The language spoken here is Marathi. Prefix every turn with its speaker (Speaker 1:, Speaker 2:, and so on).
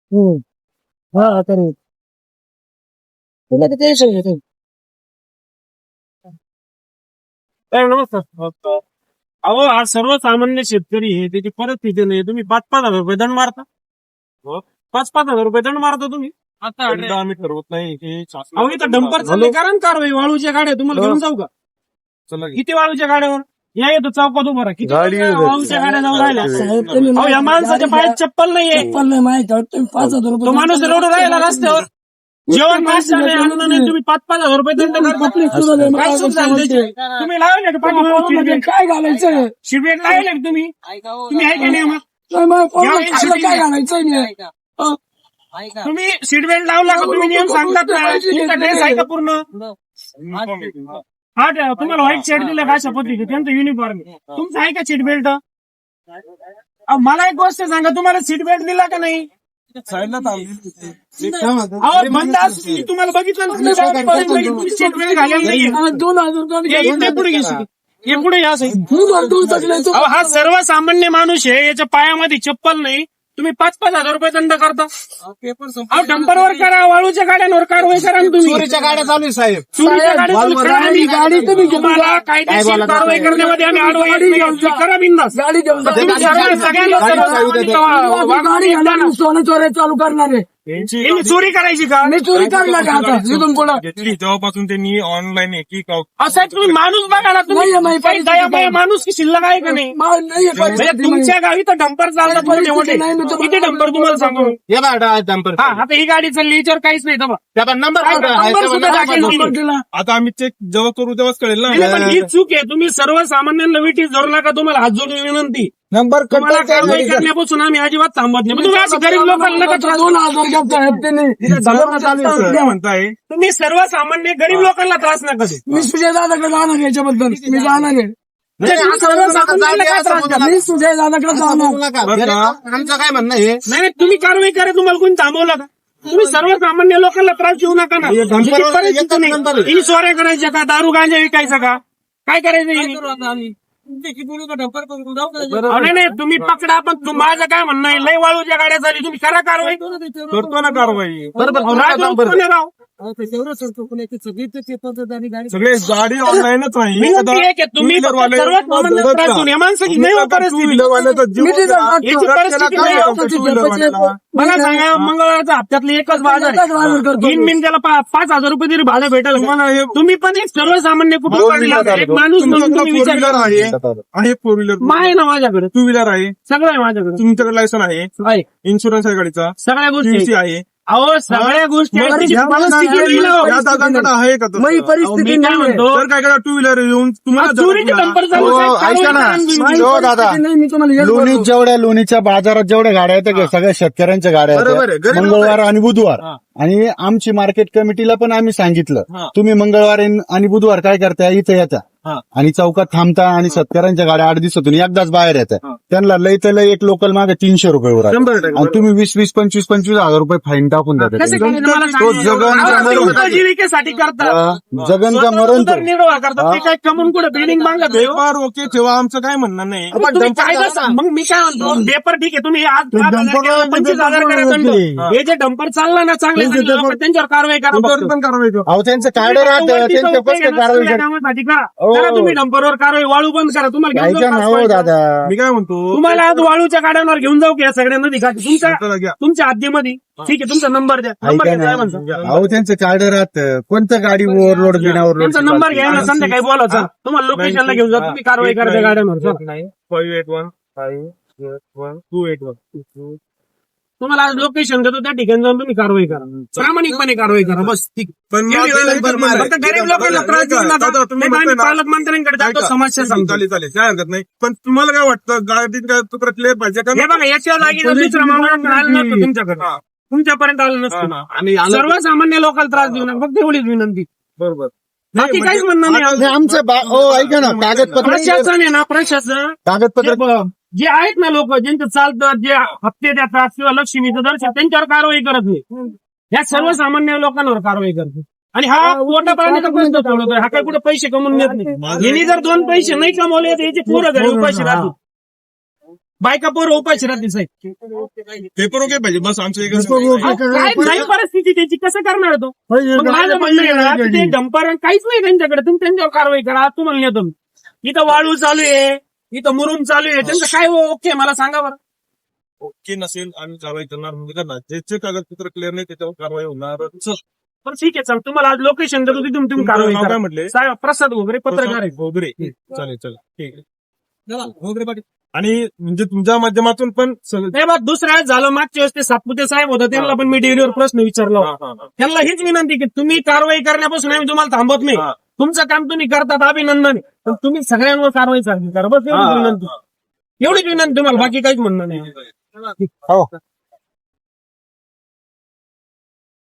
Speaker 1: हा तरी तुला किती सांगितलं
Speaker 2: नमस्कार. अहो हा सर्वसामान्य शेतकरी आहे, त्याची परिस्थिती नाही. तुम्ही 5,000 रुपये दंड मारता. 5,000 रुपये दंड मारता तुम्ही. आता आम्ही ठरवत नाही हे अहो इथं डंपर चालले कारण कारवाई वाळूच्या गाड्या तुम्हाला घेऊन जाऊ का? किती वाळूच्या गाड्यावर या येतो चौकात उभं राहा. किती वाळूच्या गाड्या जाऊन राहिल्या. अहो या माणसाच्या पायात चप्पल नाहीये.
Speaker 1: नाही माहिती तुम्ही 5,000
Speaker 2: तो माणूस रडू राहिला रस्त्यावर. जेवण नाश्ता नाही अन्न नाही तुम्ही 5,000 रुपये दंड करता. काय सुख झालं त्याचे? तुम्ही लावले का पाठीमागे
Speaker 1: काय घालायचं
Speaker 2: शिबिर लावले का तुम्ही आहे का नाही मग?
Speaker 1: काय घालायचं नाही
Speaker 2: तुम्ही सीट बेल्ट लावला का? तुम्ही नियम सांगतात ना. तुमचा ड्रेस आहे का पूर्ण? हा तुम्हाला व्हाईट शर्ट दिलं का अशा पद्धती त्यांचं युनिफॉर्म तुमचं आहे का सीट बेल्ट? मला एक गोष्ट सांगा, तुम्हाला सीट बेल्ट दिला का नाही? अहो बंद असली तुम्हाला बघितलं सीट बेल्ट घालेलं नाही.
Speaker 1: 2,000
Speaker 2: पुढे घेशील हे पुढे या हा सर्वसामान्य माणूस आहे, याच्या पायामध्ये चप्पल नाही. तुम्ही 5,000 रुपये दंड करता. अहो डंपरवर करा, वाळूच्या गाड्यांवर कारवाई करा ना तुम्ही.
Speaker 3: चोरीच्या गाड्या चालू आहे साहेब.
Speaker 2: चोरीच्या गाडी तुम्ही तुम्हाला कायदेशीर कारवाई करण्यामध्ये आम्ही आडवा करा बिंदास.
Speaker 1: गाडी घेऊन सोनं चोऱ्या चालू करणार आहे.
Speaker 2: चोरी करायची का?
Speaker 1: मी चोरी करणार का आता इथून पुढं?
Speaker 3: घेतली तेव्हापासून त्यांनी ऑनलाईन
Speaker 2: असं तुम्ही माणूस बघा ना. तुम्ही काही दयामय माणूस की शिल्लक आहे का नाही? म्हणजे तुमच्या गावी तर डंपर चालतात मोठे मोठे. किती डंपर तुम्हाला सांगू?
Speaker 3: डंपर.
Speaker 2: हा आता ही गाडी चालली याच्यावर काहीच नाही. नंबर सुद्धा टाकेल नाही.
Speaker 3: आता आम्ही चेक जेव्हा करू तेव्हाच कळेल
Speaker 2: नाही, पण
Speaker 3: ना.
Speaker 2: ही चूक आहे. तुम्ही सर्वसामान्यांना विटीस धरू नका. तुम्हाला हात जोडून विनंती.
Speaker 1: नंबर
Speaker 2: तुम्हाला कारवाई करण्यापासून आम्ही अजिबात थांबत नाही. पण तुम्ही असं गरीब लोकांना नका त्रास देऊ.
Speaker 1: 2,000
Speaker 3: काय म्हणताय?
Speaker 2: तुम्ही सर्वसामान्य गरीब लोकांना त्रास नका देऊ.
Speaker 1: मी सुजय दादाकडे जाणार याच्याबद्दल. मी जाणार आहे.
Speaker 2: म्हणजे सर्वसामान्यांना काय त्रास द्या?
Speaker 1: मी सुजय दादाकडे जाणार.
Speaker 3: आमचं काय म्हणणं आहे?
Speaker 2: नाही तुम्ही कारवाई करा. तुम्हाला कोणी थांबवलं का? तुम्ही सर्वसामान्य लोकांना त्रास देऊ नका ना. ही चोऱ्या करायच्या का? दारू गांजा विकायचा का? काय करायचं? नाही तुम्ही पकडा. पण माझं काय म्हणणं आहे, लय वाळूच्या गाड्या झाली. तुम्ही करा कारवाई.
Speaker 3: करतो ना कारवाई.
Speaker 2: राव
Speaker 3: सगळे गाडी ऑनलाईनच नाही.
Speaker 2: विनंती आहे की तुम्ही सर्वसामान्य त्रास देऊ नये. माणसाची नाही हो परिस्थिती. याची परिस्थिती नाही हो. मला सांगा, मंगळवारचा हप्त्यातले एकच बाजार आहे. 3 मिनिटाला 5,000 रुपये तरी भाडं भेटेल. तुम्ही पण एक सर्वसामान्य कुटुंब एक माणूस म्हणून तुम्ही विचार करा.
Speaker 3: आहे 4 व्हीलर
Speaker 2: आहे ना माझ्याकडे.
Speaker 3: 2 व्हीलर आहे.
Speaker 2: सगळं आहे माझ्याकडे.
Speaker 3: तुमच्याकडे लायसन आहे, इन्शुरन्स आहे गाडीचा,
Speaker 2: सगळ्या गोष्टी
Speaker 3: TC आहे.
Speaker 2: अहो सगळ्या गोष्टी आहेत. त्याची परिस्थिती नाही हो.
Speaker 3: या दादांकडे आहे का तसं?
Speaker 1: मी परिस्थिती
Speaker 2: मी काय म्हणतो,
Speaker 3: तर काय करा 2 व्हीलर येऊन तुम्हाला
Speaker 2: चोरीचे डंपर चालू आहेत.
Speaker 4: ऐका ना.
Speaker 2: कारवाई
Speaker 4: हो दादा,
Speaker 1: नाही, मी तुम्हाला हेच
Speaker 4: लोणी
Speaker 1: बोलतो.
Speaker 4: जेवढ्या लोणीच्या बाजारात जेवढ्या गाड्या येतात सगळ्या शेतकऱ्यांच्या गाड्या
Speaker 3: बरोबर आहे.
Speaker 4: येतात
Speaker 3: गरीब
Speaker 4: मंगळवार आणि बुधवार.
Speaker 2: हा.
Speaker 4: आणि आमची मार्केट कमिटीला पण आम्ही सांगितलं,
Speaker 2: हा.
Speaker 4: तुम्ही मंगळवार आणि बुधवार काय करताय, इथे येता
Speaker 2: हा.
Speaker 4: आणि चौकात थांबता आणि शेतकऱ्यांच्या गाड्या 8 दिवसातून एकदाच बाहेर येतात.
Speaker 2: हा.
Speaker 4: त्यांना लय तर लय एक लोकल मागे 300 रुपये वर आहे.
Speaker 3: 100%
Speaker 4: आणि तुम्ही 20-20, 25-25 हजार रुपये फाईन टाकून
Speaker 2: कसं
Speaker 4: देता.
Speaker 2: काय मला
Speaker 4: तो
Speaker 2: सांगा.
Speaker 4: जगन
Speaker 2: अहो, ते उपजीविकेसाठी करतात.
Speaker 4: जगन का मरण तो.
Speaker 2: उदरनिर्वाह करतात. ते काय कमून कुठे बिल्डिंग बांधत आहे हो?
Speaker 3: पेपर ओके ठेवा, आमचं काय म्हणणं नाही.
Speaker 2: पण तुम्ही कायदा सांग. मग मी काय म्हणतो, पेपर ठीक आहे. तुम्ही आज 25,000 करा दंड. हे जे डंपर चालला ना चांगले त्यांच्यावर कारवाई करा.
Speaker 3: पेपर पण कारवाई करू.
Speaker 4: अहो त्यांचं कार्ड राहतं, त्यांच्या कसं कारवाई करतात?
Speaker 2: कामासाठी का करा तुम्ही डंपरवर कारवाई. वाळू बंद करा. तुम्हाला घेऊन
Speaker 4: ऐका
Speaker 2: जाऊ
Speaker 4: ना
Speaker 2: का?
Speaker 4: हो दादा,
Speaker 3: मी काय म्हणतो,
Speaker 2: तुम्हाला आज वाळूच्या गाड्यांवर घेऊन जाऊ की या सगळ्या नदी घाटी
Speaker 3: चला घ्या.
Speaker 2: तुमच्या हद्दीमध्ये. ठीक आहे, तुमचा नंबर द्या. नंबर
Speaker 4: ऐका
Speaker 2: घ्या काय
Speaker 4: ना.
Speaker 2: म्हणता.
Speaker 4: अहो त्यांचं कार्ड राहतं, कोणतं गाडी ओव्हरलोड बिना ओव्हरलोड.
Speaker 2: त्यांचा नंबर घ्या ना, संध्याकाळी बोलायचा. तुम्हाला लोकेशनला घेऊन जा. तुम्ही कारवाई करा त्या गाड्यांवर. चला.
Speaker 3: 5815821.
Speaker 2: तुम्हाला आज लोकेशन देतो, त्या ठिकाणी जाऊन तुम्ही कारवाई करा. प्रामाणिकपणे कारवाई करा. बस ठीक.
Speaker 3: पण
Speaker 2: एवढी वेळ फक्त गरीब लोकांना त्रास देऊ नका.
Speaker 3: दादा, तुम्ही
Speaker 2: नाही तर आम्ही
Speaker 3: म्हणताय ना-
Speaker 2: पालकमंत्र्यांकडे जातो, समस्या सांगतो.
Speaker 3: चालेल चालेल, काय हरकत नाही. पण तुम्हाला काय वाटतं, गाडीत काय तुकडा क्लिअर पाहिजे का?
Speaker 2: हे बघा, याच्या जागी जर दुसरा माणूस आलं नसतं तुमच्याकडे,
Speaker 3: हा.
Speaker 2: तुमच्यापर्यंत आलं नसतं.
Speaker 3: आणि
Speaker 2: सर्वसामान्य लोकांना त्रास देऊ नका. फक्त एवढीच विनंती.
Speaker 3: बरोबर.
Speaker 2: बाकी काहीच म्हणणं नाही.
Speaker 4: हे आमचं ऐका ना, कागदपत्र
Speaker 2: प्रशासन आहे ना, प्रशासन
Speaker 4: कागदपत्र
Speaker 2: जे आहेत ना लोक, ज्यांचं चालतं, जे हप्ते देतात किंवा लक्ष्मीचं दर्शन, त्यांच्यावर कारवाई करत नाही. या सर्वसामान्य लोकांवर कारवाई करते. आणि हा पोटा पाण्याचा प्रश्न सोडवतोय. हा काय कुठे पैसे कमवून देत नाही. यांनी जर 2 पैसे नाही कमवले तर याचे पुढे घरी पैसे राहतील. बायका पोर उपाशी राहतील साहेब.
Speaker 3: पेपर ओके पाहिजे बस आमचं एकच
Speaker 2: अहो, काय नाही परिस्थिती त्याची कसं करणार तो. मग माझं म्हणणं आहे ना, की ते डंपर काहीच नाही त्यांच्याकडे, तुम्ही त्यांच्यावर कारवाई करा. तुम्हाला नेतो मी. इथं वाळू चालू आहे, इथं मुरुम चालू आहे, त्यांचं काय ओके मला सांगा बरं.
Speaker 3: ओके नसेल आम्ही कारवाई करणार म्हणजे करणार ज्याचे कागदपत्र क्लिअर नाही त्याच्यावर कारवाई होणार
Speaker 2: पण ठीक आहे चल, तुम्हाला आज लोकेशन देतो तिथून तुम्ही कारवाई
Speaker 3: नाव
Speaker 2: करा.
Speaker 3: काय म्हटले
Speaker 2: साहेब प्रसाद वगैरे पत्रकार आहे.
Speaker 3: वगैरे चालेल चालेल ठीक आहे वगैरे पाटील आणि म्हणजे तुमच्या माध्यमातून पण सगळं
Speaker 2: नाही बा, दुसऱ्या वेळेस झालं मागच्या वेळेस ते सातपुते साहेब होते, त्यांना पण मी डेअरीवर प्रश्न विचारला होता. त्यांना हीच विनंती की तुम्ही कारवाई करण्यापासून आम्ही तुम्हाला थांबत नाही. तुमचं काम तुम्ही करतात अभिनंदन आहे. पण तुम्ही सगळ्यांवर कारवाई चालू करा बस एवढीच विनंती. एवढीच विनंती तुम्हाला, बाकी काहीच म्हणणं नाही.
Speaker 4: हो